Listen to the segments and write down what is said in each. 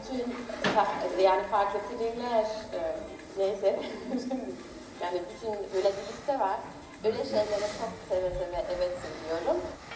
bütün yani farklı filmler neyse yani bütün öyle bir liste var. Öyle şeylere çok seve seve evet söylüyorum.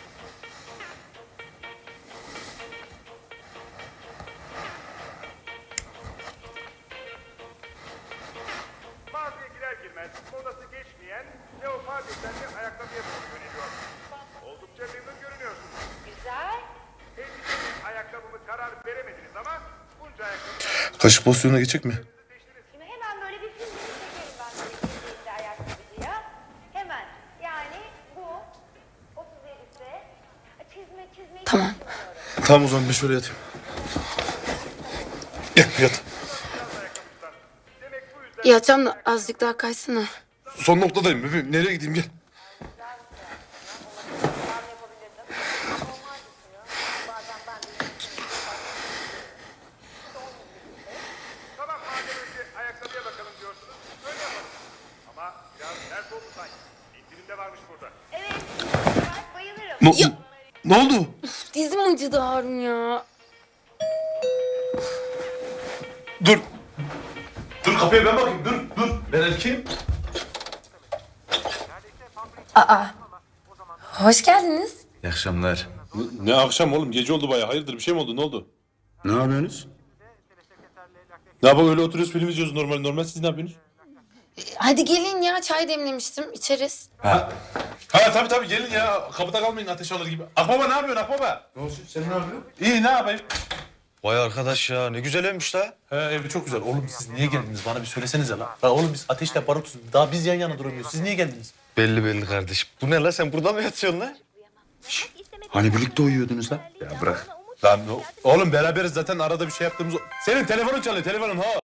Mağazaya girer girmez modası geçmeyen leopar desenli ayakkabıya doğru yöneliyor. Oldukça memnun görünüyorsunuz. Güzel. Elbisenin ayakkabımı karar veremediniz ama bunca ayakkabı... Kaşık pozisyonuna geçecek mi? Şimdi hemen böyle bir film çekelim ben böyle girdiğimde ayakkabıcıya. Hemen. Yani bu 37'si çizme Tamam. Tamam o zaman ben şöyle yatayım. Gel yat. Demek bu yüzden Yatacağım da azıcık daha kaysana. Son noktadayım bebeğim. Nereye gideyim gel. tamam madem önce ayakkabıya bakalım diyorsunuz öyle yapalım. Ama biraz ters oldu sanki. İndirimde varmış burada. Evet. Ben bayılırım. Ne oldu? Dizim acıdı Harun ya. Dur. Dur kapıya ben bakayım. Dur. Ben erkeğim. Hoş geldiniz. İyi akşamlar. Ne akşam oğlum? Gece oldu bayağı. Hayırdır bir şey mi oldu? Ne oldu? Ne yapıyorsunuz? Ne yapalım öyle oturuyoruz film izliyoruz normal. Siz ne yapıyorsunuz? Hadi gelin ya, çay demlemiştim, içeriz. Ha tabii gelin ya. Kapıda kalmayın ateş alır gibi. Akbaba ne yapıyorsun Akbaba? Ne olsun sen ne yapıyorsun? İyi ne yapayım? Vay arkadaş ya ne güzel evmiş la. He evi çok güzel. Oğlum siz niye geldiniz? Bana bir söylesenize la. La oğlum biz ateşle barutuz. Daha biz yan yana duramıyoruz. Siz niye geldiniz? Belli kardeş. Bu ne la sen burada mı yatıyorsun la? Hani birlikte uyuyordunuz lan? Ya bırak. Lan oğlum beraberiz zaten arada bir şey yaptığımız... Senin telefonun çalıyor telefonun ha.